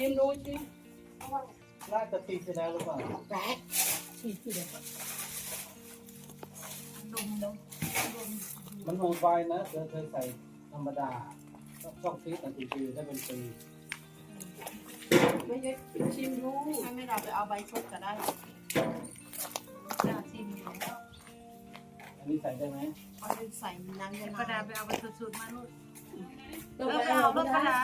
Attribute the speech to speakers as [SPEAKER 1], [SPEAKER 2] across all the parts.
[SPEAKER 1] ชิมดูสิ
[SPEAKER 2] น่าจะตีเสร็จแล้วหรือเปล่า
[SPEAKER 1] แปะฉีดที่เดียว
[SPEAKER 3] ดมดม
[SPEAKER 2] มันโหดไฟนะเธอเคยใส่ธรรมดาช่องฟิตแต่ตีคือถ้าเป็นปี
[SPEAKER 1] ไม่ใช่ชิมดู
[SPEAKER 3] ไม่เราไปเอาใบสดก็ได้จะชิมอยู่แล้ว
[SPEAKER 2] อันนี้ใส่ได้ไหม
[SPEAKER 3] เอาไปใส่น้ำเย็น
[SPEAKER 4] ประดาไปเอาไปสุดๆมาลูก
[SPEAKER 1] ต้อง
[SPEAKER 4] เออ
[SPEAKER 1] ไป
[SPEAKER 4] ไป
[SPEAKER 1] เอา
[SPEAKER 4] เอา
[SPEAKER 1] ร
[SPEAKER 4] ร
[SPEAKER 1] ถ
[SPEAKER 4] ถ
[SPEAKER 1] ก
[SPEAKER 4] ประ ระ
[SPEAKER 1] ดา
[SPEAKER 4] ดา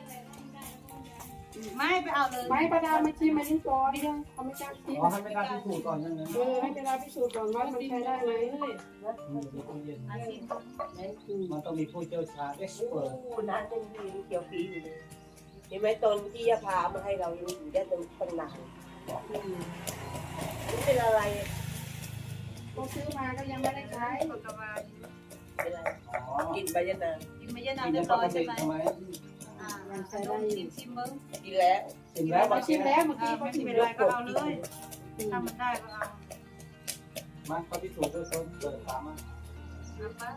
[SPEAKER 4] ไม่ไปเอาเลย
[SPEAKER 1] ไม่ประดามาชิมมาที่ก่อนเนี่ยเขาไม่กล้าชิม
[SPEAKER 2] อ๋อให้ไม่กล้าพิสูจน์ก่อนนั่นนะ
[SPEAKER 1] ให้เวลาพิสูจน์ก่อนว่ามันใช้ได้ไหม
[SPEAKER 2] มีตู้เย็น
[SPEAKER 4] อาชิม
[SPEAKER 2] มันต้องมีผู้เชี่ยวชาญเอ็กซ์เพรส
[SPEAKER 5] น้ำเป็นดีเขียวปีอยู่เลยเห็นไหมตอนที่ยาพามาให้เรายังอยู่ได้ตั้งนานนี่เป็นอะไร
[SPEAKER 1] เขาซื้อมาก็ยังไม่ได้ใช้
[SPEAKER 4] ปกติ
[SPEAKER 5] เป็นอะไร
[SPEAKER 2] อ๋อ
[SPEAKER 5] กินใบยะนาง
[SPEAKER 4] กินไม่เยอะ
[SPEAKER 2] กิน
[SPEAKER 4] น้ำเรี
[SPEAKER 2] ได้
[SPEAKER 4] ยบ
[SPEAKER 2] ป
[SPEAKER 4] ร้อก ย
[SPEAKER 2] ติ
[SPEAKER 4] ใช่ไหม
[SPEAKER 2] ใช่ไหม
[SPEAKER 4] ชิมเบิ้ง
[SPEAKER 5] กินแล้ว
[SPEAKER 2] กินแล้ว
[SPEAKER 1] เขาชิมแล้วเมื่อกี้
[SPEAKER 4] ไม่
[SPEAKER 1] เขาชิม
[SPEAKER 4] เป็น
[SPEAKER 1] แล้
[SPEAKER 4] ไร
[SPEAKER 1] ว
[SPEAKER 4] ก็เอาเลยถ้ามันได้ก็เอา
[SPEAKER 2] มาเขาพิสูจน์ด้วยคนเปิดฝามา
[SPEAKER 4] เอาไป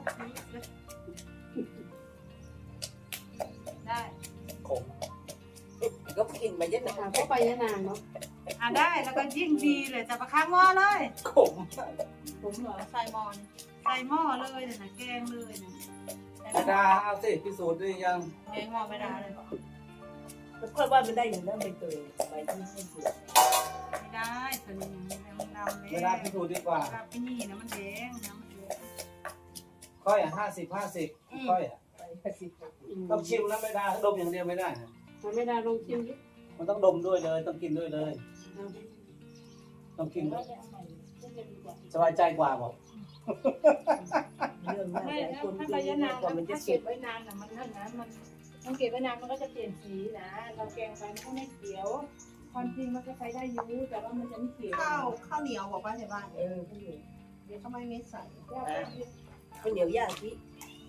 [SPEAKER 4] ได้
[SPEAKER 2] ขม
[SPEAKER 5] ก็กินใบยะนาง
[SPEAKER 1] เข้าไปยะนางเนาะ
[SPEAKER 4] ได้แล้วก็ยิ่งดีเลยจะประคังหม้อเลย
[SPEAKER 2] ขม
[SPEAKER 3] ผมเหรอใส่มอน
[SPEAKER 4] ใส่หม้อเลยนะแกงเลยนะ
[SPEAKER 2] กระดาเอาสิพิสูจน์ด้วยยัง
[SPEAKER 3] แกงมอนไม่ได้เลย
[SPEAKER 5] แล้วค่อยว่ามันได้อย่างนั้นใบเตยใบที่ให้ดู
[SPEAKER 4] ไม่ได้ตัวนี้มันดำเลย
[SPEAKER 2] กระดาพิสูจน์ดีกว่า
[SPEAKER 4] กับพี่นี่นะมันแดงนะมันแดง
[SPEAKER 2] ค่อยอ่ะ50 ค่อยอ่ะ
[SPEAKER 5] ใบกระสิบ
[SPEAKER 2] ต้องชิมนะไม่ได้ดมอย่างเดียวไม่ได้นะ
[SPEAKER 1] มันไม่ได้ลงชิมดิ
[SPEAKER 2] มันต้องดมด้วยเลยต้องกินด้วยเลย ต้องกินสบายใจกว่าบอก
[SPEAKER 5] เรื่องมาก
[SPEAKER 3] ไม่
[SPEAKER 5] หลาย
[SPEAKER 3] แล้ว
[SPEAKER 5] คน
[SPEAKER 3] ถ้า
[SPEAKER 5] กิน
[SPEAKER 3] ใบยะนาง
[SPEAKER 5] กว่ามันจะ
[SPEAKER 3] ถ้า
[SPEAKER 5] เก็
[SPEAKER 3] เก็
[SPEAKER 5] บบ
[SPEAKER 3] ไว้นานน่ะมันนั่นนะมันเก็บไว้นานมันก็จะเปลี่ยนสีนะ เราแกงไปมันก็ไม่เขียว ความจริงมันก็ใช้ได้อยู่แต่ว่ามันจะไม่เขียว
[SPEAKER 4] ข้าวเหนียวบอกว่าใช่บ้าน
[SPEAKER 5] เออข้าวเหนียว
[SPEAKER 3] เดี๋ยวทำไมไม่ใส่
[SPEAKER 5] ข้าวเหนียวย่างที่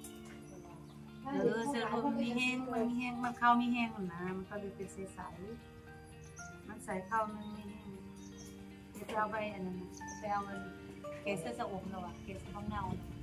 [SPEAKER 4] เสื้อมันมีแห้งมันเข้ามีแห้งนะมันก็เลยเป็นใสๆมันใส่เข้ามันมีแห้งเดี๋ยวเอาไปอันนั้นไปเอามันเกสเสื้ออบเราอะเกสข้างเงา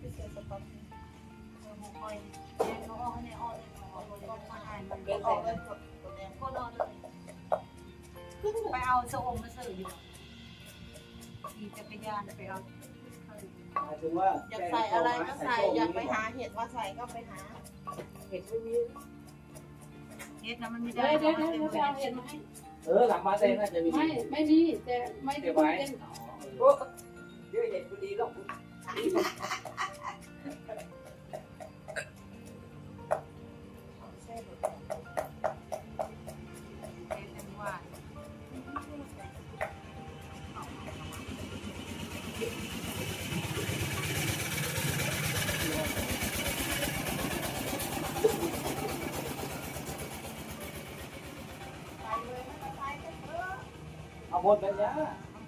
[SPEAKER 4] หมูก้อยเนี่ยเขาออกเนี่ยออกเลยออกเลยมาอ่านมัน
[SPEAKER 5] เป็น
[SPEAKER 4] อ
[SPEAKER 5] อะ
[SPEAKER 4] อก
[SPEAKER 5] ไร
[SPEAKER 4] เลยก็รอเลยไปเอาเสื้ออบมาซื้ออยู่ขี่จักรยานไปเอา
[SPEAKER 2] หมายถึงว่า
[SPEAKER 3] อยากใส่อะไรก็ใส่อยากไปหาเห็ดมาใส่ก็ไปหา
[SPEAKER 5] เห็ดไม่มี
[SPEAKER 4] เฮ็ดนะมันไม่ได้
[SPEAKER 1] เดี๋ยวไปเอาเห็ดมาให้
[SPEAKER 2] หลังมาเต้น่าจะมี
[SPEAKER 1] ไม่มีแต่ไม่ได้เป็น
[SPEAKER 5] โอ้เดี๋ยวเห็ดพอดีหรอก
[SPEAKER 4] เป็นว่า
[SPEAKER 2] เอาบนกันยะ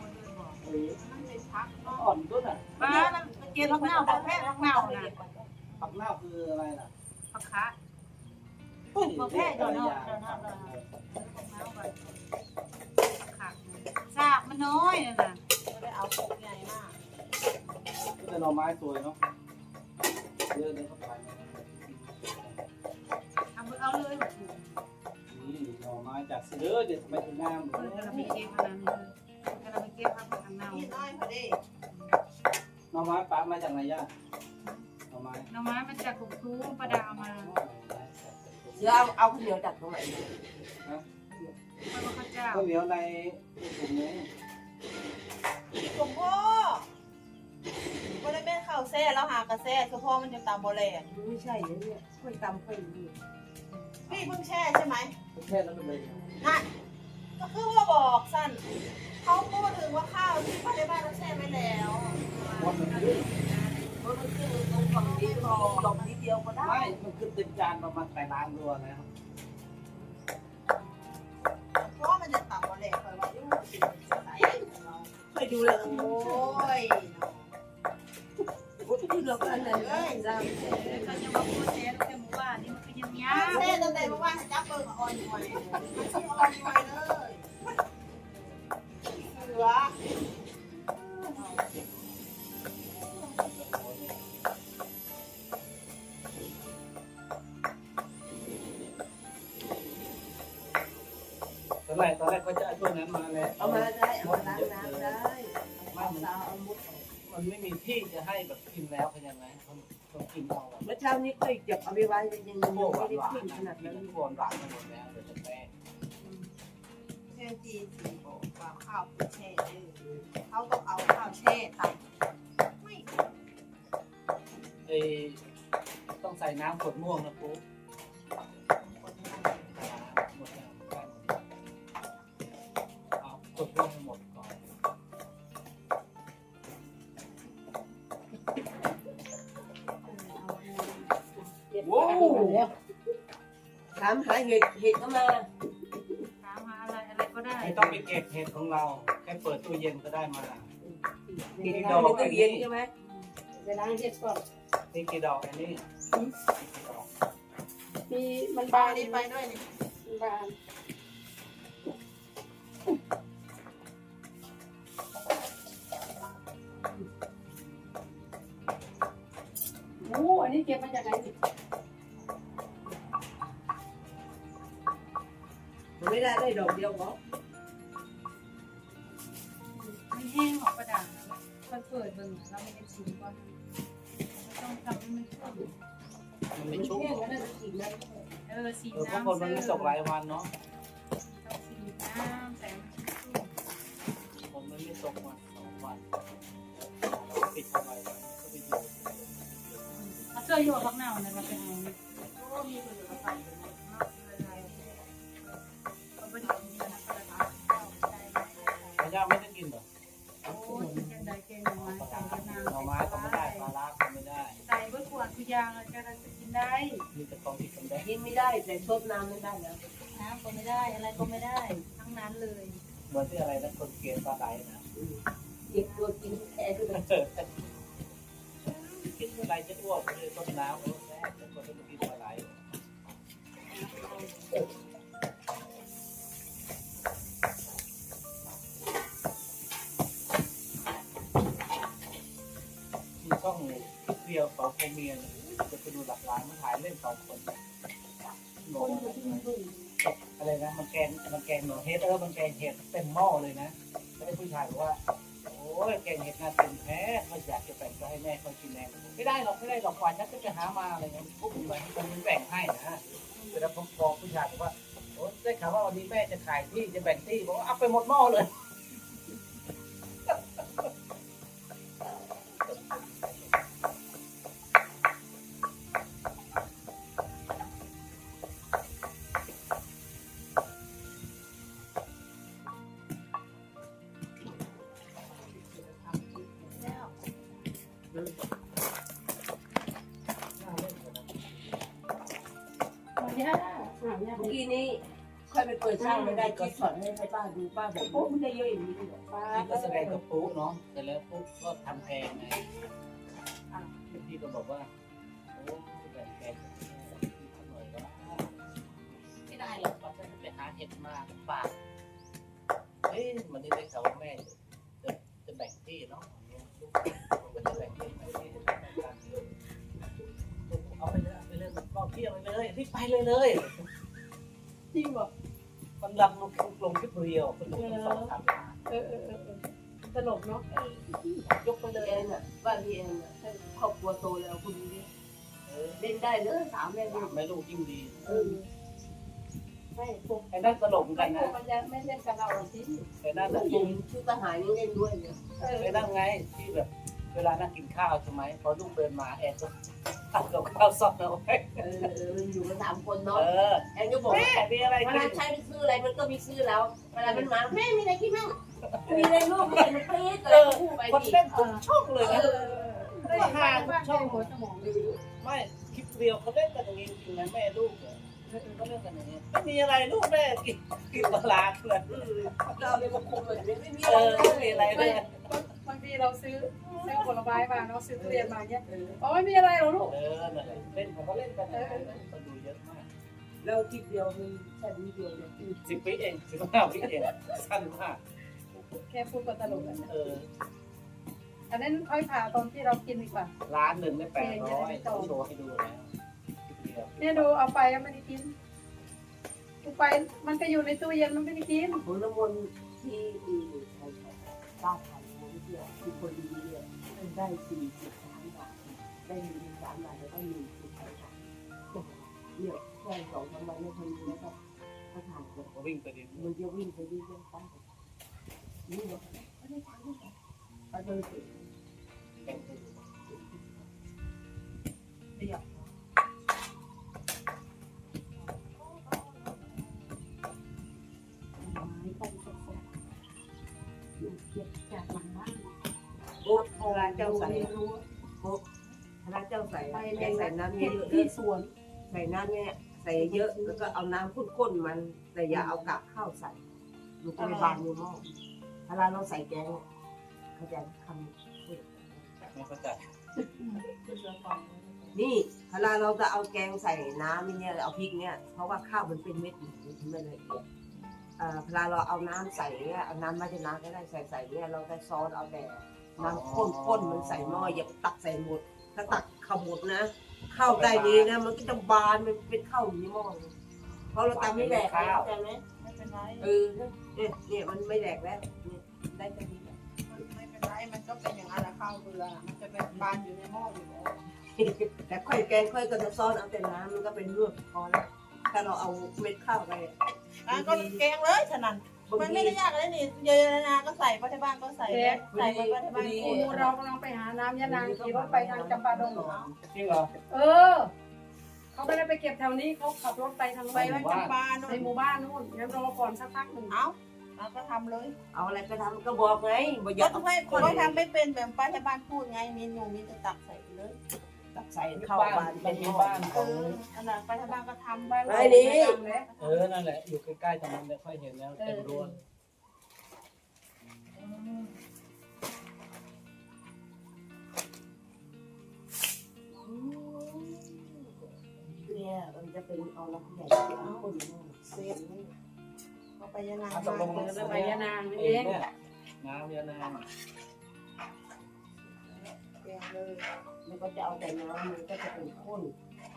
[SPEAKER 2] อ่อนด้วยน่ะ
[SPEAKER 4] ป้าเกลือผักเน่าผักแพะผักเน่านะ
[SPEAKER 2] ผักเน่าคืออะไรล่ะ
[SPEAKER 4] ผักคะผักแพะเดี๋ยวเนาะผักเน่าไปค่ะซากมันน้อยนะ
[SPEAKER 3] ไม่ได้เอาพวกใหญ่มาก
[SPEAKER 2] ก็จะหน่อไม้สวยเนาะเยอะเลยเข้าไป
[SPEAKER 4] เอาเลย
[SPEAKER 2] นี่หน่อไม้จากเสือเดี๋ยวทำไมถึงงาม
[SPEAKER 4] กระมีเก็บอะไรนี่กระมีเก็บผักเน่า
[SPEAKER 3] นี่น้อยพอดี
[SPEAKER 2] หน่อไม้ปะมาจากไหนย่าหน่อไม้
[SPEAKER 4] หน่อไม้มันจากกรุงทูประดามา
[SPEAKER 5] เดี๋ยวเอาข้าวเหนียวจากตรงไหน
[SPEAKER 4] พระเจ้า
[SPEAKER 2] ข้าวเหนียวในถุงนี้
[SPEAKER 3] หลวงพ่อวันนี้แม่ข้าวแซ่แล้วหากระแซ่เฉพาะมันจะตามโบแลน
[SPEAKER 5] ไม่ใช่เนี่ยค่อยตำค่อยดี
[SPEAKER 3] พี่เพิ่งแช่ใช่ไหม
[SPEAKER 2] แค่นั้นเป็นเลย
[SPEAKER 3] นั่นก็คือว่าบอกสั้นเขาพูดถึงว่าข้าวที่ป้าในบ้านเราแช่ไว้แล้ว
[SPEAKER 2] วันมันขึ้น
[SPEAKER 5] เพราะมันคือตรงฝั่งนี้พอลงนิดเดียวก็ได้
[SPEAKER 2] ไม่มันขึ้นเต็มจานประมาณ8 ล้านรัวแล้ว
[SPEAKER 3] เพราะมันจะตามโบแลนคอยว่ายุ่งใส่
[SPEAKER 5] ค่อยดูเลย
[SPEAKER 3] โอ้ย
[SPEAKER 5] พูดที่เรากันเลยจ้า
[SPEAKER 4] เขาจะมาพูดแท้แต่หมู่บ้านนี่มันก็ยังยา
[SPEAKER 3] แช่ตั้งแต่เมื่อวานจับเปิดอ่อนหน่อยอ่อนหน่อยเลยเสือ
[SPEAKER 2] ตอนแรกเขาจะเอาตัวนั้นมาแล้ว
[SPEAKER 5] เอามาได้เอามาล้างน้ำได้เอาสาวเอามุดออก
[SPEAKER 2] มันไม่มีที่จะให้แบบกินแล้วเป็นยังไงต้องกินเอาแบบ
[SPEAKER 5] เมื่อเช้านี้ก็เก็บเอาไปไว้ยัง
[SPEAKER 2] พวกห
[SPEAKER 5] ไม่ได้
[SPEAKER 2] วาน
[SPEAKER 5] ขึ้น
[SPEAKER 2] ๆ
[SPEAKER 5] ข
[SPEAKER 2] นะ
[SPEAKER 5] นาด
[SPEAKER 2] กิ
[SPEAKER 5] นั้น น
[SPEAKER 2] พวกหวานๆมาหมดแล้วเดี๋ยวจะแป้ง
[SPEAKER 4] แช่จีนสีบอกว่าข้าวแช่เขาต้องเอาข้าวแช่ใส่ไม่
[SPEAKER 2] ต้องใส่น้ำขวดม่วงนะปุ๊บหมดแล้วหมดแล้วเอาขวดม่วงให้หมดก่อน
[SPEAKER 1] โอ้โห
[SPEAKER 5] ถามหาเห็ดเข้ามา
[SPEAKER 4] ถามหาอะไรก็ได้
[SPEAKER 2] ไม่ต้องไปเก็บเห็ดของเราแค่เปิดตู้เย็นก็ได้มา
[SPEAKER 5] เห็ดดอกในตู้เย็นใช่ไหม
[SPEAKER 1] เวลาเห็ดก่อน
[SPEAKER 2] นี่กี่ดอกอันนี้กี่ดอก
[SPEAKER 1] มีมัน
[SPEAKER 4] ปลา
[SPEAKER 1] บาน
[SPEAKER 4] นี่ไปด้วยนี่
[SPEAKER 1] มันบานโอ้อันนี้เก็บมาจากไหนสิ
[SPEAKER 5] มันไม่ได้ดอกเดียวหรอ
[SPEAKER 4] มันแห้งหรอกกระดาษมันเปิดเบิ่งเราไม่ได้ชิมก่อนต้องทำให้มันชุ่ม
[SPEAKER 2] มันไม่ชุ่ม
[SPEAKER 5] แค่นั้นจะกินได้
[SPEAKER 4] สี
[SPEAKER 2] เพราะ
[SPEAKER 4] น้ำ
[SPEAKER 2] คนมันไม่ตกหลายวันเนาะ
[SPEAKER 4] ต้องสีน้ำแต่มันชุ่ม
[SPEAKER 2] ผมมันไม่ตกวัน2 วันปิดทำไมก็ไปอยู่
[SPEAKER 4] เอาเสื้ออยู่กับบักเน่าเนี่ยมาเป็นไงโอ้มีคนอยู่กับใส่เลยนะอะไรเอาไปดูดีนะกระดาษใส่
[SPEAKER 2] พญาไม่ได้กินเหรอ
[SPEAKER 4] โอ้ยแกงใดแกงหน่อไม้ใส่กระนาว
[SPEAKER 2] หน่อไม้ก็ไม่ได้ปลาร้าก็ไม่ได้
[SPEAKER 4] ใส่เบะขวดทุกอย่างเลยจะกินได้
[SPEAKER 2] มีแต่ของที่กินได้
[SPEAKER 5] กินไม่ได้แต่ซดน้ำไม่ได้แล้ว
[SPEAKER 4] น้ำก็ไม่ได้อะไรก็ไม่ได้ทั้งนั้นเลย
[SPEAKER 2] เหมือนที่อะไรนะคนเกลียดปลาไหลนะ
[SPEAKER 5] เก็บตัวกินแค่ด้วย
[SPEAKER 2] กินเมื่อไรจะอ้วกเลยต้นน้ำโอ้แม่จะคนที่กินปลาไหลมีช่องเดียว2 คนเมียจะไปดูหลักล้านมันถ่ายเล่น2 คนบอกอะไรนะมันแกงหนูเฮ็ดมันแกงเห็ดเต็มหม้อเลยนะแล้วผู้ชายบอกว่าโอ้ยแกงเห็ดน่าเต็มแท้เขาอยากจะแบ่งก็ให้แม่เขากินแน่ไม่ได้หรอกกว่าฉันก็จะหามาอะไรเงี้ยปุ๊บมันแบ่งให้นะแต่แล้วพอผู้ชายบอกว่าโอ้ได้ข่าวว่าวันนี้แม่จะขายที่จะแบ่งที่บอกว่าเอาไปหมดหม้อเลย
[SPEAKER 1] ย่าย่า
[SPEAKER 5] เมื่อกี้นี้ค่อยไปเปิดช่างไม่ได้ก็สอนให้ป้าดูป้าบอกโอ้มันได้เยอะอย่างนี้เลย
[SPEAKER 1] ปลา
[SPEAKER 2] นี่ก็แสดงกับปุ๊เนาะแต่แล้วปุ๊ก็ทำแพงไงพี่ก็บอกว่าโอ้แบ่งแพงหน่อยก็ไม่ได้หรอกเราจะไปหาเห็ดมาฝากเฮ้ยมันได้ข่าวว่าแม่จะแบ่งที่เนาะผมก็จะแบ่งที่เอาไปเลยก็เที่ยวไปเลยรีบไปเลย
[SPEAKER 1] จริงบอก
[SPEAKER 2] มันรับลงที่เรียวเป็น2 3
[SPEAKER 1] ตลกเนาะ
[SPEAKER 2] ยกไปเลย
[SPEAKER 5] แอนน่ะบ้านพี่แอนน่ะครอบครัวโตแล้วคุณนี้เล่นได้เลย3 แม่ลูก
[SPEAKER 2] ไม่ลูกยิ่งดี
[SPEAKER 1] ไม่พวก
[SPEAKER 2] ไอ้นั่นตลกกัน
[SPEAKER 1] พ
[SPEAKER 2] นะ
[SPEAKER 1] วกมันจะไม่เล่นกับเราสิ
[SPEAKER 2] ไอ้นั่น
[SPEAKER 5] ลูกหญิงชุดทหารยังเล่นด้วยเนี่ย
[SPEAKER 2] ไอ้นั่นไงที่แบบเวลานั่งกินข้าวใช่ไหมพอลูกเดินมาแอนก็ตักกับข้าวซอสเอาไว้
[SPEAKER 5] อยู่กัน3 คนเนาะ
[SPEAKER 2] เออ
[SPEAKER 5] แอนก็บอก
[SPEAKER 2] แม่มีอะไร
[SPEAKER 5] เว
[SPEAKER 2] กิ
[SPEAKER 5] ลาน ใช้ไปซื้ออะไรมันก็มีซื้อแล้วเวลามันมาแม่มีอะไรกินมั่งมีอะไรลูกมีอะไรมันปี๊ดอะไรคู่ไป
[SPEAKER 2] คน
[SPEAKER 5] ดิ
[SPEAKER 2] เล่นทุกช่องเลยนะว่าหาทุกช่อง
[SPEAKER 1] หัวสมองดี
[SPEAKER 2] ไม่คลิปเรียวเขาเล่นกันอย่างนี้จริงนะแม่ลูกเนี่ยเขาเล่นกันอย่างนี้ไม่มีอะไรลูกแม่กินปลาเลย
[SPEAKER 5] เราเลยมาคุมเลยไม่มี
[SPEAKER 2] เอ
[SPEAKER 5] อะไร
[SPEAKER 2] อไม่มีอะไรเลย
[SPEAKER 1] บางทีเราซื้อผลไม้มาเนาะซื้อทุเรียนมาเนี่ยอ๋อไม่มีอะไรหรอกลูก
[SPEAKER 2] เออนั่นแหละเล่นเขาเล่นกันคนดูเยอะมาก
[SPEAKER 5] เราคลิปเดียวมันแค่วิดีโอเนี่ย
[SPEAKER 2] 10 วิเอง15 วิเองสั้นมาก
[SPEAKER 1] แค่พูดก็ตลกแล้ว
[SPEAKER 2] เออ
[SPEAKER 1] อันนั้นค่อยผ่าตอนที่เรากินดีกว่า
[SPEAKER 2] ร้านหนึ่งได้800ต้องโชว์ให้ดูแล้ว
[SPEAKER 1] เนี่ยดูเอาไปแล้วไม่ได้กินไปมันก็อยู่ในตู้เย็นมันไม่ได้กิน
[SPEAKER 5] ผลน้ำมนต์ที่บ้านไทยนะที่คือคนดีเนี่ยได้43 บาทได้43 บาทแล้วก็มี43 บาทเนี่ยแค่2-3 วันแล้วคนนี้แล้วก็เขาถ่ายเลย
[SPEAKER 2] ก็วิ่งไปดิ
[SPEAKER 5] มันจะวิ่งไปเรื่อยๆตั้งแต่นี่เนาะไม่ได้ทำไม่ได้เอาเลยสิ
[SPEAKER 2] แข่งไป
[SPEAKER 5] เรียบ
[SPEAKER 3] จากหลังบ้าน
[SPEAKER 5] โอ้พระเจ้าใส่โอ้พระเจ้าใส่ใส่น้ำเยอะๆ
[SPEAKER 3] ที่สวน
[SPEAKER 5] ใส่น้ำเนี่ยใส่เยอะแล้วก็เอาน้ำข้นๆมันแต่อย่าเอากากข้าวใส่มันจะไม่บานในหม้อเวลาเราใส่แกงเขาจะทำ
[SPEAKER 2] ไม่เข้าใจ
[SPEAKER 5] นี่เวลาเราจะเอาแกงใส่น้ำเนี่ยเอาพริกเนี่ยเพราะว่าข้าวมันเป็นเม็ดอยู่ไม่ละเอียดเวลาเราเอาน้ำใส่เนี่ยเอาน้ำมาจะน้ำก็ได้ใส่เนี่ยเราได้ซอสเอาแต่น้ำข้นๆมันใส่หม้ออย่าตักใส่หมดถ้าตักข้าวหมดนะข้าวใต้นี้นะมันก็จะบานมันเป็นข้าวอยู่ในหม้อเพราะเราตำไม่แหลกเข้าใจไหม
[SPEAKER 3] ไม่เป็นไร
[SPEAKER 5] เนี่ยมันไม่แหลกแล้วเนี่ยได้แค่นี้
[SPEAKER 3] ไม่เป็นไรมันก็เป็นอย่างนั้นแหละข้าวเบื่อมันจะเป็นบานอยู่ในหม้ออยู่แล้ว
[SPEAKER 5] แต่ค่อยแกงค่อยก็จะซ้อนเอาแต่น้ำมันก็เป็นลวกพอแล้วถ้าเราเอาเม็ดข้าวไป
[SPEAKER 3] ก็แกงเลยฉะนั้น
[SPEAKER 5] บาง
[SPEAKER 3] มัน
[SPEAKER 5] ที
[SPEAKER 3] ไม่ได้ยากอะไรนี่เยอะๆนะก็ใส่ไปที่บ้านก็ใส่ใส่ไปที่บ้าน
[SPEAKER 1] โอ้เรากำลังไปหาน้ำยานางขี่รถไปทางจำปาดง
[SPEAKER 2] จริงเหรอ
[SPEAKER 1] เขาไม่ได้ไปเก็บแถวนี้เขาขับรถไปทาง
[SPEAKER 3] ไป
[SPEAKER 1] ไป
[SPEAKER 3] บ้านจำปาโน่
[SPEAKER 1] ใน
[SPEAKER 3] น
[SPEAKER 1] หมู่บ้านนู่นงั้นรอก่อนสักพักหนึ่ง
[SPEAKER 3] เอาก็ทำเลย
[SPEAKER 5] เอาอะไรก็ทำก็บอกไงบอกอย่า
[SPEAKER 3] ก็ทำไมคนทำไม่เป็นแบบป้าที่บ้านพูดไงมีหนูมีจะตักใส่เลย
[SPEAKER 5] ตักใส่ข้าวบานเป็นหม้อ
[SPEAKER 2] บ้านของ
[SPEAKER 3] อันนั้นป้าที่บ้านก็ทำไป
[SPEAKER 5] ไอ้นี่
[SPEAKER 2] นั่นแหละอยู่ใกล้ๆตรงนั้นเลยค่อยเห็นแล้วเต็มรั้วเลย
[SPEAKER 5] เนี่ยมันจะเป็นเอาแล้วผู้ใหญ่เอาคนหม้อ
[SPEAKER 3] เสร็จเอาไปยานาง
[SPEAKER 2] ตกลง
[SPEAKER 1] ไปยานางนี่
[SPEAKER 2] เอ
[SPEAKER 1] เอง ง
[SPEAKER 2] เนี่ยน้ำยานาง
[SPEAKER 3] แกงเลย
[SPEAKER 5] มันก็จะเอาแต่น้ำมันก็จะเป็นข้น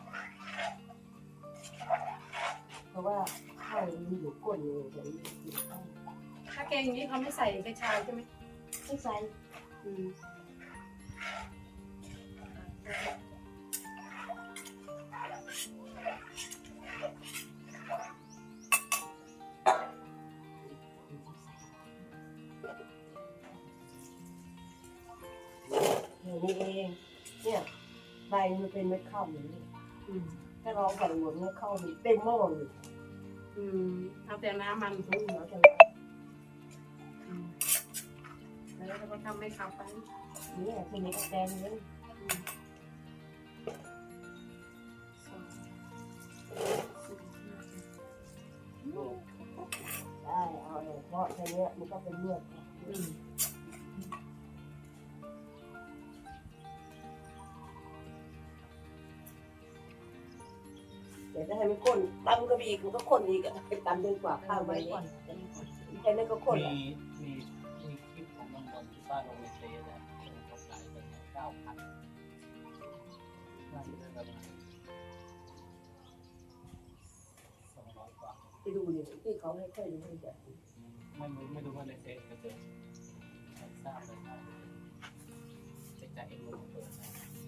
[SPEAKER 5] เพราะว่าข้าวมันอยู่ก้นเลยแต่ไม่กินข้าว
[SPEAKER 1] ถ้าแกงนี้เขาไม่ใส่กระชายใช่ไหม
[SPEAKER 5] ไม่ใส่นี่เองเนี่ยใบมันเป็นเม็ดข้าวอย่างนี้ถ้าเราใส่หมดเม็ดข้าวเต็มหม้อเลย
[SPEAKER 1] เอาแต่น้ำมัน
[SPEAKER 5] ไม่เหลือแต่
[SPEAKER 1] แล้วเราก็ทำให้เขาไป
[SPEAKER 5] เนี่ยทีนี้ก็แดงเลยได้เอาเลยเพราะแค่นี้มันก็เป็นเลือดเดี๋ยวจะให้มันข้นตำก็มีอีกมันก็ข้นอีกอะเป็นตำเดินกว่าข้าวไปก่อนแค่นั้นก็ข้น
[SPEAKER 2] มีคลิปของน้องบอลที่บ้านโรงเรียนเตะนะเขาขายกัน9,000น่าจะได้ประมาณ200 กว่า
[SPEAKER 5] ไปดูเนี่ยที่เขาให้ค่อยดูให้แบบ
[SPEAKER 2] ไม่รู้ว่าในเฟซก็เจอทราบเลยครับจะจ่ายเองลงเปิดนะ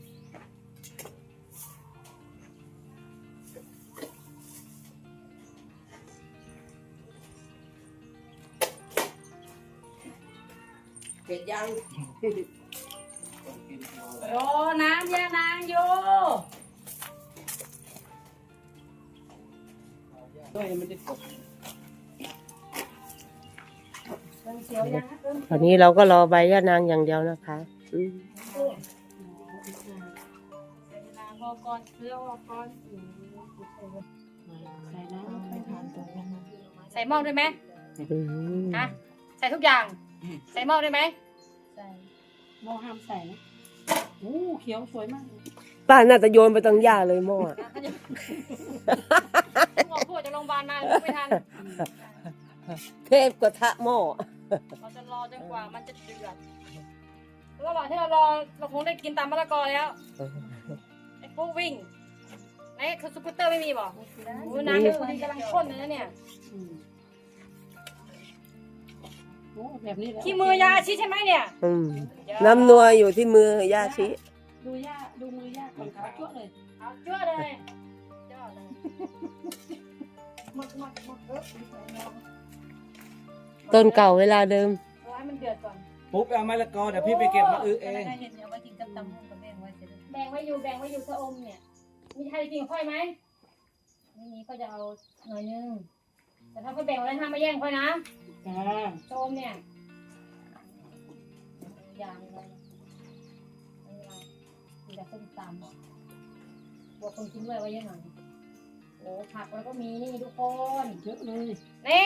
[SPEAKER 5] เสร็จยัง
[SPEAKER 2] คนกินโล
[SPEAKER 1] โอ้น้ำยานางโย
[SPEAKER 2] ด้วยไม่ได้กด
[SPEAKER 1] มันเสียวยังนะ
[SPEAKER 5] ตอนนี้เราก็รอใบย่านางอย่างเดียวนะคะ
[SPEAKER 3] ใส่ยานางพอก่อนเพื่อว่าก่อนใส่น้ำไปทานตัวนั้น
[SPEAKER 4] ใส่หม้อด้วยไหมฮะใส่ทุกอย่าง ใส่หม้อด้วยไหม
[SPEAKER 3] ใส่หม้อห้ามใส่นะโอ้เขียวสวยมาก
[SPEAKER 5] ป้าน่าจะโยนไปตรงหญ้าเลยหม้อ
[SPEAKER 4] หมอพูดจากโรงพยาบาลมาไม่ทัน
[SPEAKER 5] เทพกระทะหม้อ
[SPEAKER 4] เราจะรอจนกว่ามันจะเดือดระหว่างที่เรารอเราคงได้กินตามมะละกอแล้วไอ้พวกวิ่ง ไหน
[SPEAKER 3] คือสกูตเตอร์ไม่มีบอกโอ้น้ำมันกำลังข้นเลยนะเนี่ย
[SPEAKER 1] โอ้แบบนี้แหละ
[SPEAKER 3] ขี้มือยาชิใช่ไหมเนี่ย
[SPEAKER 5] น้ำนัวอยู่ที่มือย่าชิ
[SPEAKER 1] ดูมือย่าก่อนขาจั่วเลย
[SPEAKER 3] เอาจ้วเลยจ้วเลยหมด
[SPEAKER 5] ต้นเก่าเวลาเดิม
[SPEAKER 3] รอให้มันเดือดก่อน
[SPEAKER 2] ปุ๊บเอามะละกอเดี๋ยวพี่ไปเก็บมาอึเอง
[SPEAKER 4] เห็นเอาไว้กินกับตำกับแม่ไว้เสร็จ
[SPEAKER 3] แบ่งไว้อยู่ชะอมเนี่ยมีใครกินค่อยไหมไม่มีก็จะเอาหน่อยนึงแต่ถ้าเขาแบ่งไว้ห้ามมาแย่งค่อยนะ
[SPEAKER 1] จ้า
[SPEAKER 3] ชะอมเนี่ยอย่างเลยไม่เป็นไรมีแต่ส้มตำบวกคนกินด้วยไว้เยอะหน่อยโอ้ผักแล้วก็มีนี่ทุกคน
[SPEAKER 1] เยอะเลย
[SPEAKER 3] นี่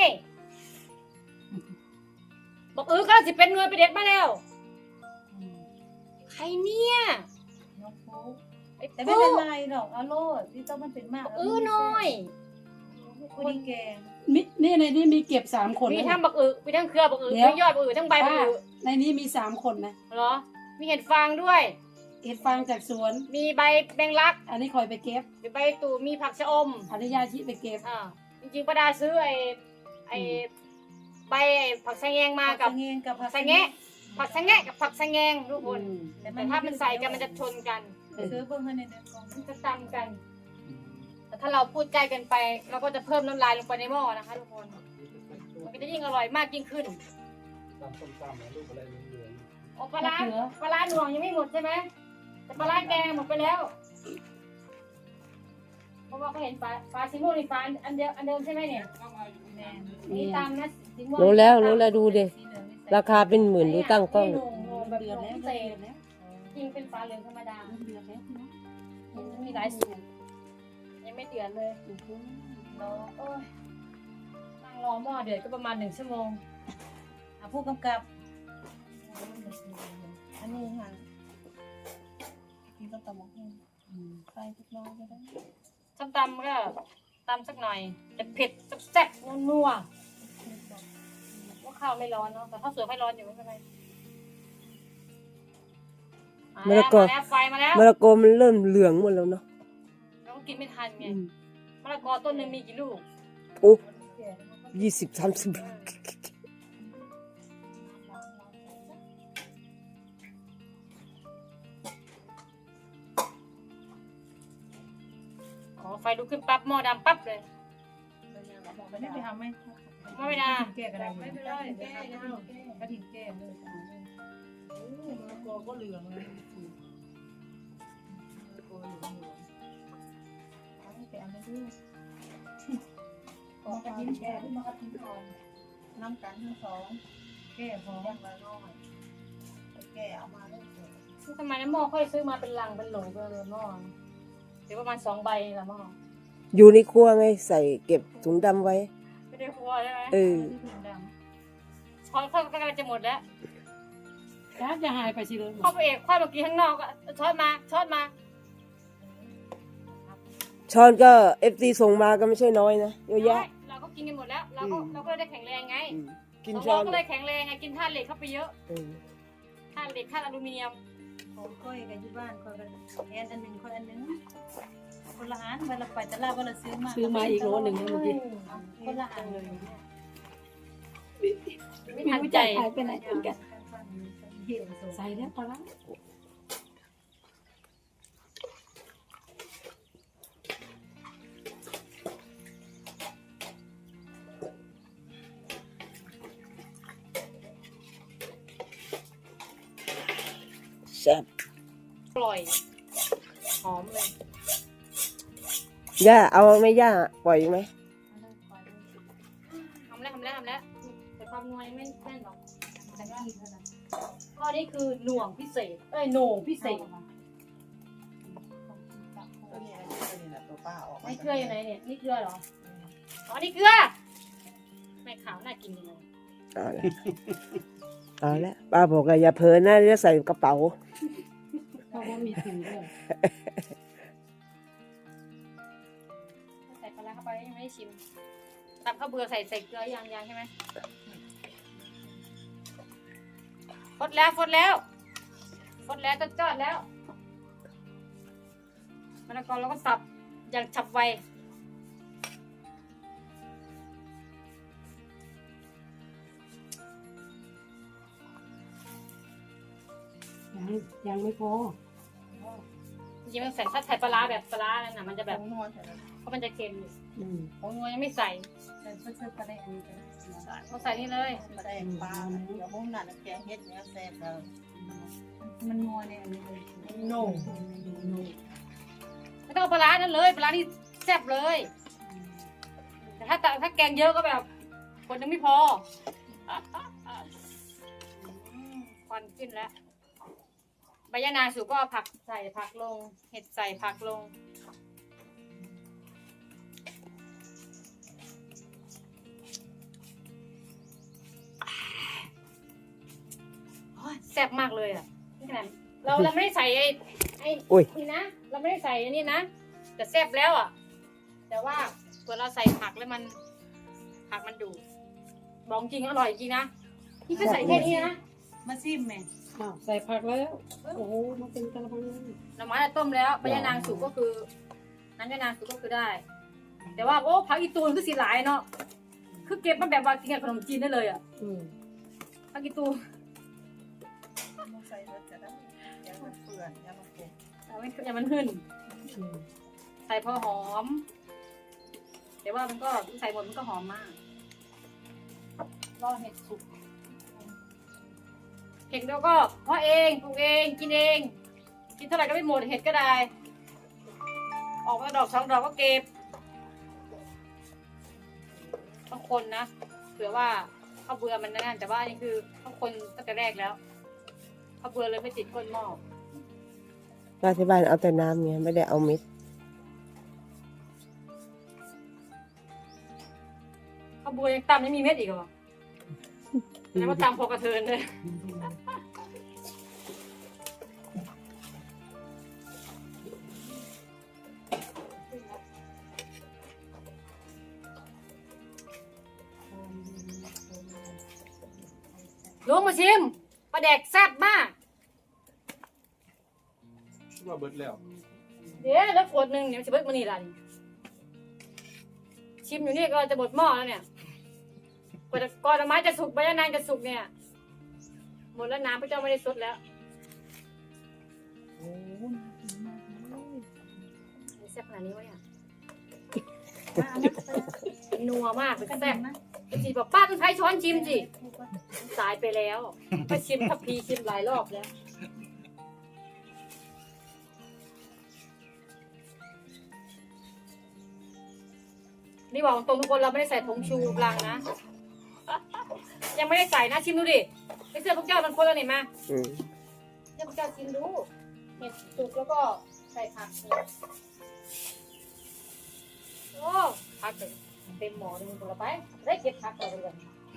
[SPEAKER 3] บอกก็สิเป็นหน่วยไปเด็ดมาแล้วใครเนี่ย
[SPEAKER 4] น้องฟุ๊ก
[SPEAKER 3] ไอ้
[SPEAKER 4] แต่ไม่
[SPEAKER 3] ปุ๊
[SPEAKER 4] เป็นไรหรอกเอาโลดที่ต้องมันเป็นมาก
[SPEAKER 3] น้อย
[SPEAKER 4] คนแกง
[SPEAKER 1] นี่ในนี้มีเก็บ3 คน
[SPEAKER 3] มี
[SPEAKER 1] นะ
[SPEAKER 3] ทั้งบักมีทั้งเครือบักมียอดบักทั้งใบบัก
[SPEAKER 1] ในนี้มี3 คนนะ
[SPEAKER 3] เหรอมีเห็ดฟางด้วย
[SPEAKER 1] เห็ดฟางจากสวน
[SPEAKER 3] มีใบแมงลัก
[SPEAKER 1] อันนี้คอยไปเก็บ
[SPEAKER 3] มีใบตู่มีผักชะอม
[SPEAKER 1] อันนี้ยาชิไปเก็บ
[SPEAKER 3] จริงๆป้าดาซื้อไอ้ใบผักสะแงงมากับ
[SPEAKER 4] เงงกับผัก
[SPEAKER 3] สะแงะผักสะแงะกับผักสะแงงทุกคน
[SPEAKER 4] แต่
[SPEAKER 3] แต่ถ้ามันใส่กันมันจะชนกัน
[SPEAKER 4] ซื้อเพิ่มให้ในเดือนกอง
[SPEAKER 3] มันจะตำกัน แต่ถ้าเราพูดใกล้กันไป เราก็จะเพิ่มน้ำลายลงไปในหม้อนะคะทุกคน มันก็จะยิ่งอร่อยมากยิ่งขึ้น
[SPEAKER 2] ตำส้มตำนะลูกอะไรเหลือง
[SPEAKER 3] โอ้ปลาร้าหน่วงยังไม่หมดใช่ไหมแต่ปลาร้าแกงหมดไปแล้ว เพราะว่าเขาเห็นปลาสีม่วงนี่ปลาอันเดิมใช่ไหมเนี่ย
[SPEAKER 4] แม่
[SPEAKER 3] นี่ตามนะสีม่วง
[SPEAKER 5] รู้แล้วดูดิ
[SPEAKER 4] สีเหลืองนี่ใส่
[SPEAKER 5] ราคาเป็นหมื่นดูตั้งกล้อง
[SPEAKER 3] นี่หนูแบบ
[SPEAKER 1] เดือด
[SPEAKER 3] หนู
[SPEAKER 1] แล้ว
[SPEAKER 3] พิเศ
[SPEAKER 1] เดือ
[SPEAKER 3] ษ
[SPEAKER 1] ดแล้ว
[SPEAKER 3] จริงเป็นปลาเหลืองธรรมดา
[SPEAKER 1] เดือดแล้วนะ
[SPEAKER 3] มันมีหลายสูตรยังไม่เดือดเลยรอโอ้ยนั่งรอหม้อเดือดก็ประมาณ1 ชั่วโมง
[SPEAKER 4] ผู้กำกับ
[SPEAKER 3] อันนี้ค่ะกินต้มตำหมกใส่ทุกน้อยก็ได้ส้มตำก็ตำสักหน่อยจะเผ็ดแซ่บๆนัวๆว่าข้าวไม่ร้อนเนาะแต่ข้าวสวยไม่ร้อนอยู่ไม่เป็นไรมาแล้วไฟมาแล้ว
[SPEAKER 5] มะละกอมันเริ่มเหลืองหมดแล้วเนาะ
[SPEAKER 3] เราก็กินไม่ทันไงมะละกอต้นหนึงมีกี่ลูก
[SPEAKER 5] โอ้20-30
[SPEAKER 3] ไฟลุกขึ้นปั๊บหม้อดำปั๊บเลย
[SPEAKER 4] ไม่ไปทำไหม
[SPEAKER 3] หม้อไม่ดา
[SPEAKER 4] แก้กันได้
[SPEAKER 3] ไม่เป็นไรแก้ยัง
[SPEAKER 4] กระถิ่นแก้เลย
[SPEAKER 1] มะละกอก็เหลืองเลย
[SPEAKER 4] แก้ไม่ได้ของกระถิ่นแก้ที่มากระถิ่นทองน้ำกันทั้งสองแก้พอยังละน้อยแก้เอามาได้เลย
[SPEAKER 3] ทำไมน้ำหม้อค่อยซื้อมาเป็นลังเป็นโหลไปเลยหม้อเดี๋ยวประมาณ2 ใบละหม้อ
[SPEAKER 5] อยู่ในครัวไงใส่เก็บถุงดำไว้
[SPEAKER 3] ไม่ได้ครัวใช่ไหม ช้อนค่อยก็กำลังจะหมดแล้ว
[SPEAKER 1] จ้าจะหายไปสิเลย
[SPEAKER 3] เข้าไปเอกค่อยมากินข้างนอกอะช้อนมา
[SPEAKER 5] ช้อนก็ FT ส่งมาก็ไม่ใช่น้อยนะเยอะแยะ
[SPEAKER 3] เราก็กินกันหมดแล้ว เราก็ได้แข็งแรงไง
[SPEAKER 5] กิน
[SPEAKER 3] เรา
[SPEAKER 5] ช้อน
[SPEAKER 3] ก็เลยแข็งแรงไงกินธาตุเหล็กเข้าไปเยอะ
[SPEAKER 5] เออ
[SPEAKER 3] ธาตุเหล็กธาตุอลูมิเนียม
[SPEAKER 4] ของค่อยกันที่บ้านค่อยกันแอนอันหนึ่งค่อยอันหนึ่งคนละอันเวลาไปตลาดเวลาซื้อมา
[SPEAKER 1] ซื้อมาอีกโลนึงนะเมื่อกี้
[SPEAKER 4] คนละอันเลย
[SPEAKER 3] ไม่ทันใจ
[SPEAKER 1] หายไปไหนเหมือนกันใส่แล้วปลาร้า
[SPEAKER 5] แซ่บ
[SPEAKER 3] อร่อย หอมเลย
[SPEAKER 5] ย่าเอาไหมย่าปล่อยอีกไหม
[SPEAKER 3] ทำแล้วแต่ความนัวไม่แน่นหรอกแต่ว่าข้อนี้คือหน่วงพิเศษโหน่งพิเศษนี่เกลืออยู่ไหนเนี่ยนี่เกลือเหรออ๋อนี่เกลือไม่ขาวน่ากินยังไง
[SPEAKER 5] เอาละป้าบอกว่าอย่าเผลอนะจะใส่กระเป๋า
[SPEAKER 1] เพราะว่ามีถุงด้วย
[SPEAKER 3] ใส่ปลาร้าเข้าไปยังไม่ได้ชิมตับข้าวเบื่อใส่เกลือยังใช่ไหมฟดแล้วจอดแล้วมะละกอเราก็สับอย่างฉับไว
[SPEAKER 1] ยังไม่พอ
[SPEAKER 3] จริงๆมันใส่ถ้าใส่ปลาร้าแบบปลาร้านั่นน่ะมันจะแบบ
[SPEAKER 4] นวดใส่แล้ว
[SPEAKER 3] เพราะมันจะเค็ม
[SPEAKER 1] อืม
[SPEAKER 3] ของงัวยังไม่ใส่
[SPEAKER 4] เพิ่มปลาแดงนี่
[SPEAKER 3] เขาใส่นี่เลย
[SPEAKER 4] ปลาแดงปลาเดี๋ยวพวกนั้นแกงเฮ็ดเนื้อแซ่บแล้วมันนัวเนี่ยอันนี้เลย
[SPEAKER 1] โน่
[SPEAKER 3] ไม่ต้องเอาปลาร้านั่นเลยปลาร้านี่แซ่บเลย แต่ถ้าแกงเยอะก็แบบคนยังไม่พอควันขึ้นแล้วใบยะนางสุกก็เอาผักใส่ผักลง เห็ดใส่ผักลงโอ้ยแซ่บมากเลยอ่ะนี่ขนาดเราไม่ได้ใส่ไอ้นี่นะเราไม่ได้ใส่อันนี้นะแต่แซ่บแล้วอ่ะ แต่ว่าตัวเราใส่ผักแล้วผักมันดูบอกจริงอร่อยจริงนะนี่ก็ใส่แค่นี้นะ
[SPEAKER 4] มาซิมแม่
[SPEAKER 1] อ้าวใส่ผักแล้ว โอ้โหมันเป็นกระมัง
[SPEAKER 3] หน่อไม้ต้มแล้วใบยะนางสุกก็คือน้ำยะนางสุกก็คือได้ แต่ว่าโอ้ผักอีตูนก็สีหลายเนาะคือเก็บมาแบบว่ากินกับขนมจีนได้เลยอ่ะ
[SPEAKER 1] อืม
[SPEAKER 3] ผักอีตูน
[SPEAKER 4] มาใส่แล้วจะได้ยังมันเปื่อนยังมันเปื่อน
[SPEAKER 3] อย่ามันหื่น
[SPEAKER 1] อืม
[SPEAKER 3] ใส่พอหอม แต่ว่ามันก็ใส่หมดมันก็หอมมากรอเห็ดสุกเห็ดแล้วก็เพาะเองปลูกเองกินเองกินเท่าไหร่ก็ไม่หมดเห็ดก็ได้ ออกมาดอกสองดอกก็เก็บบางคนนะเผื่อว่าเขาเบื่อมันนั่นแต่ว่านี่คือเขาคนตั้งแต่แรกแล้วเขาเบื่อเลยไม่ติดก้นหม้อ
[SPEAKER 5] เราที่บ้านเอาแต่น้ำเนี่ยไม่ได้เอาเม็ด
[SPEAKER 3] เขาเบื่อยังตำไม่มีเม็ดอีกเหรอแล้วมาตำพอกระเทินเลยลุงมาชิมปลาแดกแซ่บมาก
[SPEAKER 2] ว่าเบิดแล้ว
[SPEAKER 3] เดี๋ยวแล้วขวดหนึ่งเดี๋ยวจะเบิดมานี่ละนี่ชิมอยู่นี่ก็จะหมดหม้อแล้วเนี่ยกว่าก่อนไม้จะสุกใบยะนางจะสุกเนี่ยหมดแล้วน้ำพระเจ้าไม่ได้ซดแล้วแซ่บขนาดนี้วะเนี่ยนัวมากเป็นแซ่บจีบอกป้าต้องใช้ช้อนชิมสิสายไปแล้วก็ชิมทัพพีชิมหลายรอบแล้วนี่บอกตรงทุกคนเราไม่ได้ใส่ผงชูกลางนะยังไม่ได้ใส่นะชิมดูดิไอเสื้อพวกเจ้ามันคนละนี่มาเสื้อพวกเจ้าชิมดูเห็ดสุกแล้วก็ใส่ผักโอ้ผักเต็มหม้อเลยคนละไปได้เก็บผักเราเลย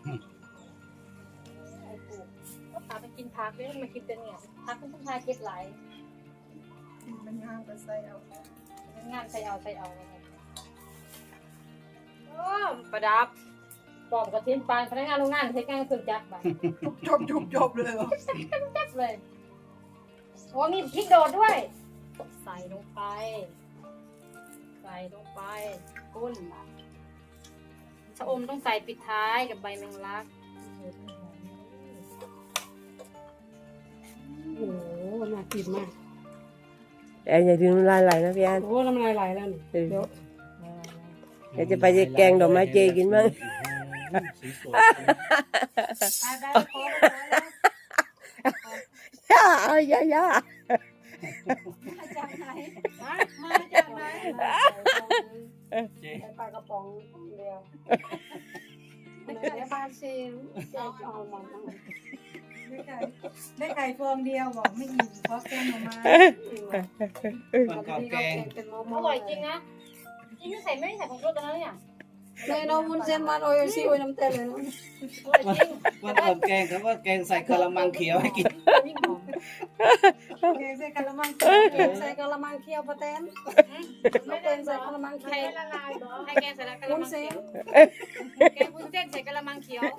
[SPEAKER 3] ไอ้ปูก็พาไปกินผักเลยมากินแต่เนี่ยผักมันต้องพาเก็บหลาย
[SPEAKER 4] มันงามก็ใส่เอา
[SPEAKER 3] งานใส่เอาโอ้ประดับปอมกระทิ้นปานพนักงานโรงงานใช้งานเครื่องจักรบ่ะ
[SPEAKER 4] จบเลยเหรอ
[SPEAKER 3] จักรเลยโอ้มีพริกโดดด้วยใส่ลงไปกุ้นชะอมต้องใส่ปิดท้ายกับใบแมงลัก
[SPEAKER 1] โอ้โหน่ากินมาก
[SPEAKER 5] แต่อย่าลืมน้ำลายไหลนะพี่อัน
[SPEAKER 1] โอ้น้ำลายไหลแล้วนี่เดี๋ยว
[SPEAKER 5] เดี๋ยวจะไปแกงดอกไม้เจกินมั้ง
[SPEAKER 4] ได้
[SPEAKER 5] ย่าเอาย่า
[SPEAKER 4] มาจากไหน
[SPEAKER 3] มาจากไหน
[SPEAKER 1] ปลากระป๋องเดียวเดี๋ยวปลาซิลเอาหมด
[SPEAKER 4] ได้ไก่ฟองเดียวบอกไม่อิ่มเพราะแกงมา
[SPEAKER 2] มันก่อนแกง
[SPEAKER 3] อร่อยจริงนะจริงไม่ใส่ผงชูรสกันแล้วเนี่ย
[SPEAKER 1] เลยน้องวุ้นเส้นมันโอ้ยซีโอ้ยน้ำเต้นเลยนะ
[SPEAKER 3] อร่อยจริง
[SPEAKER 2] วันก่อนแกงครับว่าแกงใส่กะละมังเขียวให้กิน
[SPEAKER 3] ยิ่งหอม
[SPEAKER 4] แกงใส่กะละมัง
[SPEAKER 1] ใส่กะละมังเคี่ยวปลาแตน
[SPEAKER 3] ไม่
[SPEAKER 1] เป็
[SPEAKER 3] ได้
[SPEAKER 1] น
[SPEAKER 3] ใส่
[SPEAKER 1] ใส่กะละมัง
[SPEAKER 3] ใคร
[SPEAKER 1] เคี่ยว
[SPEAKER 3] ละลายเหรอให้แกงใส่กะละ
[SPEAKER 1] วุ้น
[SPEAKER 3] มัง
[SPEAKER 1] เส้
[SPEAKER 3] เขี
[SPEAKER 1] น
[SPEAKER 3] ยวแกงวุ้นเส้นใส่กะละมังเขียว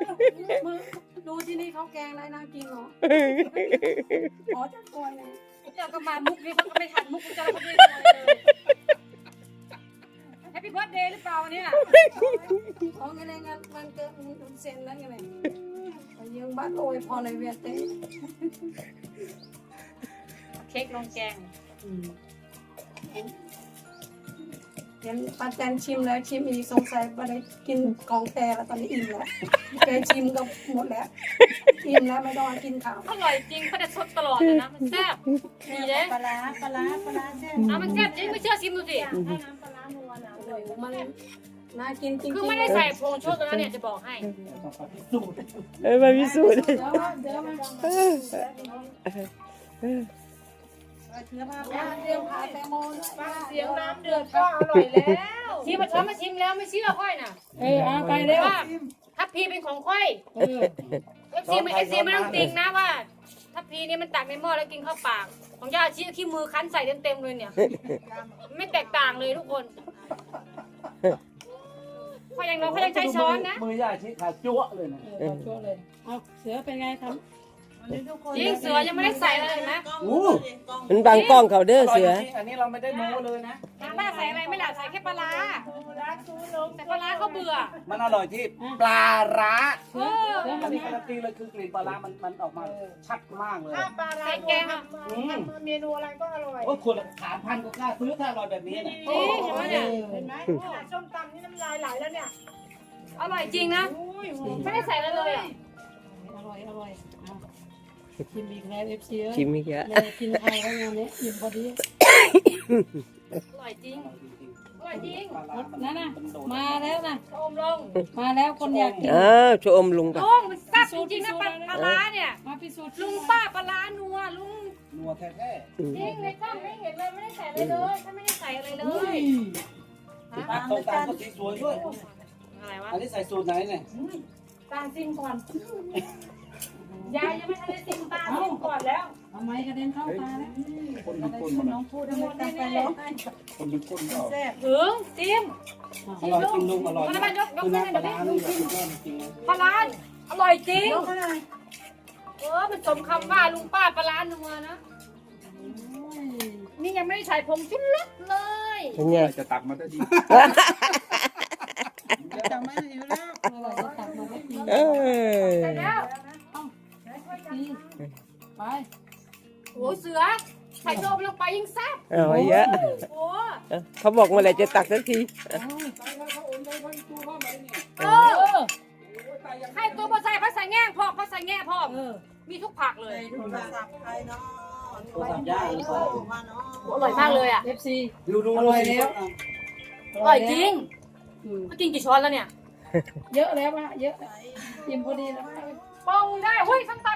[SPEAKER 1] ดูที่นี่เขาแกงอะไรน่ากินเหรออ๋อจะกล้วยนะ
[SPEAKER 3] เจ้าก็มามุกนี้เขาก็ไม่ทันมุกเจ้าก็ไม่ได้เลยแฮปปี้เบิร์ธเดย์หรือเปล่าเนี่ย
[SPEAKER 1] ของไงงานมันเกิดมันเซ็นแล้วไงยังบ้านโอยพอเลยเวียเต้
[SPEAKER 3] เค้กลงแกง
[SPEAKER 1] เห็นป้าแตนชิมแล้วชิมอีกสงสัยป้าได้กินของแกแล้วตอนนี้อิ่มแล้วแกชิมก็หมดแล้วอิ่มแล้วไม่ต้องกินข้าว
[SPEAKER 3] อร่อยจริงเขาจะสดตลอดเลยนะมันแซ่บดีเลย
[SPEAKER 4] ปลาร้าแซ่บ
[SPEAKER 3] มันแซ่บจริงไม่เชื่อชิมดูสิ
[SPEAKER 4] ถ้าน้ำปลาร้านัวนะ
[SPEAKER 1] โอ้ยมันน่ากินจริงๆ
[SPEAKER 3] คือไม่ได้ใส่ผงชูรสแล้วเนี่ยจะบอกให้
[SPEAKER 2] ต้องไปพิสูจน์
[SPEAKER 6] มาพิสูจน์
[SPEAKER 1] เดี๋ยวมาเดี๋ยวมา
[SPEAKER 4] เชื้อผ้า
[SPEAKER 1] เดี๋ยวพาแตงโมด้วย
[SPEAKER 4] เสียงน้ำเดือดก็อร่อยแล้ว
[SPEAKER 3] ชิมมาช้อนมาชิมแล้วไม่เชื่อค่อยน่ะ
[SPEAKER 1] เอาไปเร็ว
[SPEAKER 3] ว่าทัพพีเป็นของค่อยเอฟซีไม่ต้องติงนะว่าทัพพีนี่มันตักในหม้อแล้วกินเข้าปากของย่าชี้ขี้มือคั้นใส่เต็มๆเลยเนี่ยไม่แตกต่างเลยทุกคนค่อยยังใช้ช้อนนะ
[SPEAKER 2] มือย่าชี้ขาจั่วเลยนะ
[SPEAKER 1] ช่วยเลยเอาเสือเป็นไงครับ
[SPEAKER 3] จริงเสือยังไม่ได้ใส่เลยนะ
[SPEAKER 6] มันบังกล้องเขาเด้อเสือ
[SPEAKER 2] อันนี้เราไม่ได้โม้เลยนะ
[SPEAKER 3] ป้าใส่อะไรไม่หลับใส่แค่ปลาร้าแต่ปลาร้าเขาเบื่อ
[SPEAKER 2] มันอร่อยที่ปลาร้า
[SPEAKER 3] เออ
[SPEAKER 2] อันนี้การันตีเลยคือกลิ่นปลาร้ามันออกมาชัดมากเลย
[SPEAKER 4] ปลาร้า
[SPEAKER 3] ใส่แกงอ่ะ
[SPEAKER 4] เมนูอะไรก็อร่อย
[SPEAKER 2] โอ้คน3,000ก็กล้าซื้อถ้าอร่อยแบบนี้นะ
[SPEAKER 3] จริงเห็นไหมเนี่ย
[SPEAKER 4] เห็นไหมขนาดส้มตำนี่น้ำลายไหลแล้วเนี่ย
[SPEAKER 3] อร่อยจริงนะไม่ได้ใส่อะไรเลยอ่ะ
[SPEAKER 1] อร่อยชิมอีกแล้วเอฟซี
[SPEAKER 6] ชิมอีกแล้ว
[SPEAKER 1] เลยกินข้าวแล้วงานนี้อิ่มพอดี
[SPEAKER 3] อร่อยจริงอร่อยจริง
[SPEAKER 1] นั่นน่ะมาแล้วนะ
[SPEAKER 3] ชมลง
[SPEAKER 1] มาแล้วคนอยากกิน
[SPEAKER 6] ชมลุงปะ
[SPEAKER 3] ลุงมันแซ่บจริงๆนะปลาร้าเนี่ย
[SPEAKER 1] มาพิสูจน์
[SPEAKER 3] ลุงป้าปลาร้านัวลุง
[SPEAKER 2] นัวแท้
[SPEAKER 3] จริงในกล้องไม่เห็นเลยไม่ได้ใส่อะไรเลยถ้าไม่ได้ใส่อะไรเลย
[SPEAKER 2] ๆผักต้มตาลก็สีสวยด้วย
[SPEAKER 3] อะไรวะ
[SPEAKER 2] อันนี้ใส่สูตรไหนเนี่ย
[SPEAKER 1] ตาซิมก่อน
[SPEAKER 3] ยายยังไม่ทันได้ชิมตาชิมก่อนแล้ว
[SPEAKER 1] ทำไมกระเด็นเข้าตาแล้ว
[SPEAKER 2] คนเป็นคนมัน
[SPEAKER 1] น้องพูดทั้งหมดแน่ๆ
[SPEAKER 2] คนเป็นคนก็
[SPEAKER 4] แซ่บ
[SPEAKER 3] ถึงจิ้ม
[SPEAKER 2] อร่อยจริงลุงอร่อย
[SPEAKER 3] มันมันยก
[SPEAKER 2] คือ
[SPEAKER 3] ขึ้น
[SPEAKER 2] น้ำป
[SPEAKER 3] เล
[SPEAKER 2] ลาย ร้า
[SPEAKER 3] เดี๋ยว
[SPEAKER 2] นี่
[SPEAKER 3] นี้
[SPEAKER 2] แบบสุดยอดจริงๆนะ
[SPEAKER 3] ปลาร้าอร่อยจริง
[SPEAKER 4] ยกให้หน่อย
[SPEAKER 3] มันสมคำว่าลุงป้าปลาร้านัวนะนี่ยังไม่ได้ใส่ผงชุรสเลย
[SPEAKER 6] เป็นไง
[SPEAKER 2] จะตักมาได้ดี
[SPEAKER 4] จำไม่ได้อยู่แล้ว
[SPEAKER 1] อร่อยจะตักมาให้กิน
[SPEAKER 6] เออ
[SPEAKER 3] เสร็จแล้ว
[SPEAKER 1] ไป
[SPEAKER 3] โอ้เสือใส่โดมลงไปยิ่งแซ่บ
[SPEAKER 6] เอาเยอะ
[SPEAKER 3] โอ้
[SPEAKER 6] เขาบอกเมื่อไหร่จะตักสักที
[SPEAKER 3] เออให้ตัวภาษาภาษาแง่พ่อภาษาแง่พ่อมีทุกผักเลย
[SPEAKER 4] โทรศัพท์ใครเนาะ
[SPEAKER 2] ตัวสับย่างหรือเปล่า
[SPEAKER 4] มาเนาะ
[SPEAKER 3] อร่อยมากเลยอ่ะ
[SPEAKER 1] เอฟซี
[SPEAKER 2] ดู
[SPEAKER 1] อร่อยแล้ว
[SPEAKER 3] อร่อยจริงก็กินกี่ช้อนแล้วเนี่ย
[SPEAKER 1] เยอะแล้วอะเยอะอิ่มพอดีแล้ว
[SPEAKER 3] ปองได้เฮ้ยส้มต